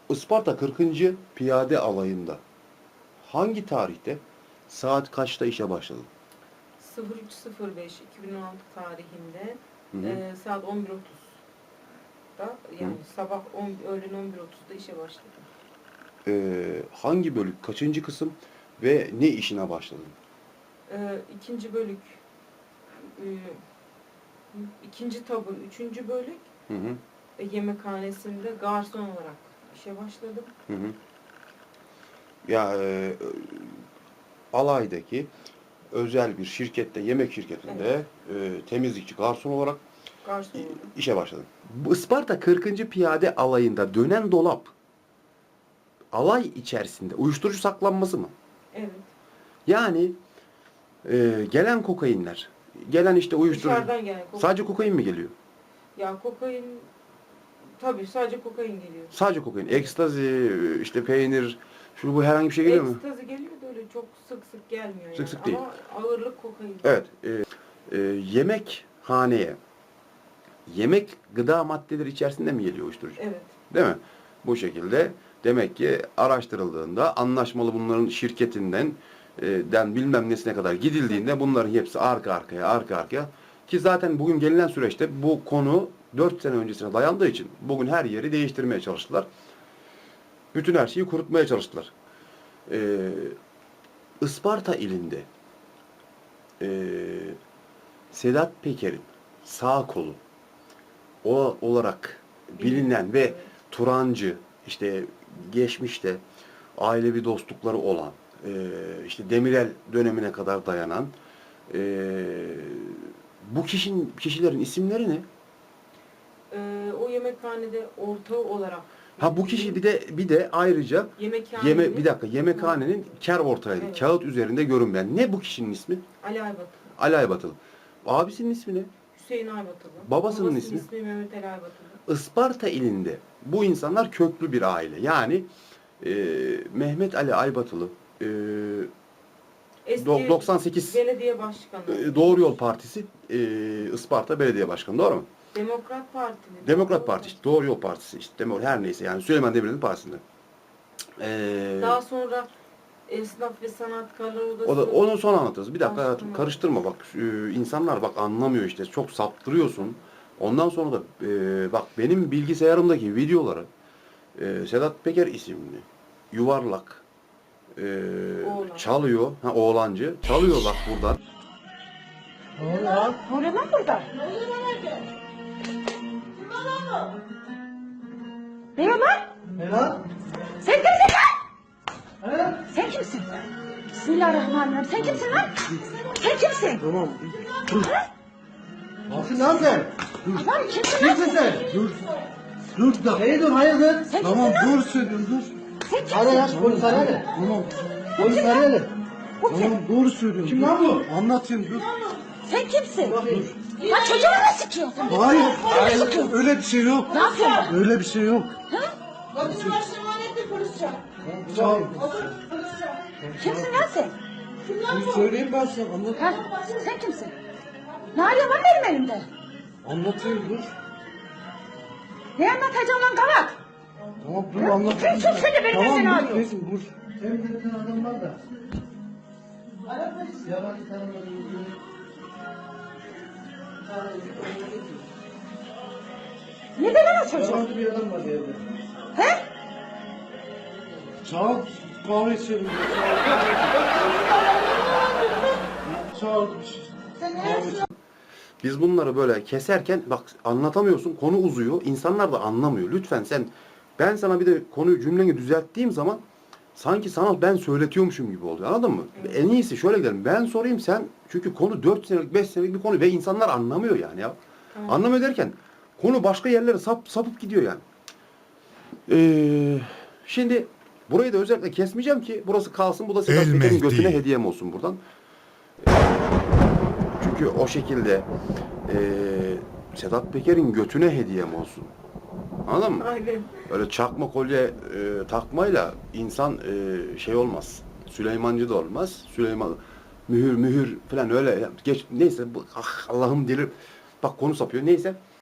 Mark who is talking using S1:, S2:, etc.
S1: Isparta 40. Piyade Alayı'nda hangi tarihte saat kaçta işe başladın?
S2: 03.05.2016 tarihinde
S1: Hı hı.
S2: saat 11.30'da yani sabah öğlen 11.30'da işe başladım.
S1: Hangi bölük, kaçıncı kısım ve ne işine başladın?
S2: İkinci bölük, e, ikinci tabur, üçüncü bölük
S1: Hı hı.
S2: yemekhanesinde garson olarak işe başladım.
S1: Hı hı. Ya alaydaki özel bir şirkette, yemek şirketinde temizlikçi, garson olarak
S2: Garson olarak.
S1: işe başladın. Bu Isparta 40. Piyade Alayı'nda dönen dolap alay içerisinde uyuşturucu saklanması mı?
S2: Evet.
S1: Yani gelen kokainler, gelen işte uyuşturucu.
S2: Dışarıdan gelen kokain.
S1: Sadece kokain mi geliyor?
S2: Ya kokain, tabii sadece kokain geliyor.
S1: Sadece kokain. Ekstazi, işte peynir, şu bu herhangi bir şey geliyor mu?
S2: Ekstazi geliyor da öyle çok sık sık gelmiyor
S1: Sık
S2: yani.
S1: sık değil.
S2: Ama ağırlık kokain.
S1: Evet. Yemekhaneye, yemek gıda maddeleri içerisinde mi geliyor uyuşturucu?
S2: Evet.
S1: Değil mi? Bu şekilde demek ki araştırıldığında anlaşmalı bunların şirketinden bilmem nesine kadar gidildiğinde bunların hepsi arka arkaya ki zaten bugün gelinen süreçte bu konu 4 sene öncesine dayandığı için bugün her yeri değiştirmeye çalıştılar. Bütün her şeyi kurutmaya çalıştılar. Isparta ilinde Sedat Peker'in sağ kolu olarak bilinen ve
S2: Evet.
S1: Turancı, işte geçmişte ailevi dostlukları olan, işte Demirel dönemine kadar dayanan bu kişilerin isimleri ne?
S2: O yemekhanede ortağı olarak.
S1: Ha, bu kişi bir de ayrıca
S2: Yemekhanenin
S1: yemekhanenin kar ortağıydı.
S2: Evet.
S1: Kağıt üzerinde görünmeyen. Ne bu kişinin ismi?
S2: Ali Aybatılı.
S1: Ali Aybatılı. Abisinin ismi ne?
S2: Hüseyin Aybatılı.
S1: Babasının ismi?
S2: Mehmet Ali Aybatılı.
S1: Isparta ilinde bu insanlar köklü bir aile. Yani Mehmet Ali Aybatılı
S2: Eski
S1: 98
S2: belediye başkanı.
S1: Doğru Yol Partisi Isparta Belediye Başkanı, doğru mu?
S2: Demokrat Parti mi?
S1: Demokrat Parti, işte Doğru Yol Partisi, işte her neyse yani Süleyman Demirel'in partisinde.
S2: Daha sonra Esnaf ve Sanatkarlar Odası.
S1: Onu son anlatırız. Bir dakika hayatım,
S2: Başkanı.
S1: karıştırma bak. İnsanlar bak anlamıyor işte. Çok saptırıyorsun. Ondan sonra da bak benim bilgisayarımdaki videoları Sedat Peker isimli yuvarlak
S2: Oğlan.
S1: çalıyor. Ha, oğlancı. Çalıyor bak buradan.
S3: Ne oluyor lan?
S4: Ne oluyor lan burada?
S3: Ne oluyor lan herkes? Kim lan o?
S4: Ne oluyor lan?
S3: Ne lan?
S4: Sen kimsin lan?
S3: He?
S4: Sen kimsin? Bismillahirrahmanirrahim. Sen kimsin lan? Sen kimsin?
S3: Tamam. Dur. Nasıl lan sen? Dur.
S4: Adam kimsin lan?
S3: Kimsin sen? Dur. Dur da. Hey dur hayırdır?
S4: Sen
S3: Tamam
S4: kimsin
S3: dur söylüyorum dur.
S4: Sen kimsin?
S3: Hadi lan polis arayalım. Tamam. Polis arayalım.
S4: Bu kim?
S3: Tamam doğru söylüyorum. Kim lan bu? Anlatayım dur.
S4: Sen kimsin?
S3: Dur.
S4: Lan çocuğumu mu sıkıyorsun?
S3: Hayır. Hayır. Öyle bir şey yok.
S4: Ne yapıyorsun?
S3: Öyle bir şey yok.
S4: Ha?
S3: Kimsin lan
S4: sen?
S3: Dur söyleyeyim ben sana. Anlat.
S4: Ha? Sen kimsin? Ne arıyorsun lan benim elimde?
S3: Anlatayım dur.
S4: Ne anlatacağım lan kavak?
S3: Tamam dur anlatayım.
S4: Sen sus seni, benim seni
S3: dur,
S4: arıyor.
S3: kesin dur. Sen bir adam var da. Yabancı tanımadığın biri.
S4: Ne de lan o çocuk?
S3: Yabancı bir adam var evde.
S4: He?
S3: Çağır kahve içelim. Çağır bir şey.
S1: Biz bunları böyle keserken bak anlatamıyorsun, konu uzuyor, insanlar da anlamıyor. Lütfen ben sana bir de konuyu cümleni düzelttiğim zaman sanki sana ben söyletiyormuşum gibi oluyor, anladın mı? En iyisi şöyle gidelim, ben sorayım sen, çünkü konu 4 senelik 5 senelik bir konu ve insanlar anlamıyor yani ya.
S2: Tamam.
S1: Anlamıyor derken konu başka yerlere sapıp gidiyor yani. Şimdi burayı da özellikle kesmeyeceğim ki burası kalsın, bu da Sedat Peker'in götüne hediyem olsun buradan. Çünkü o şekilde Sedat Peker'in götüne hediyem olsun. Anladın mı?
S2: Aynen.
S1: Öyle çakma kolye takmayla insan şey olmaz. Süleymancı da olmaz. Süleyman mühür falan öyle. Neyse Allah'ım delir. Bak konu sapıyor. Neyse.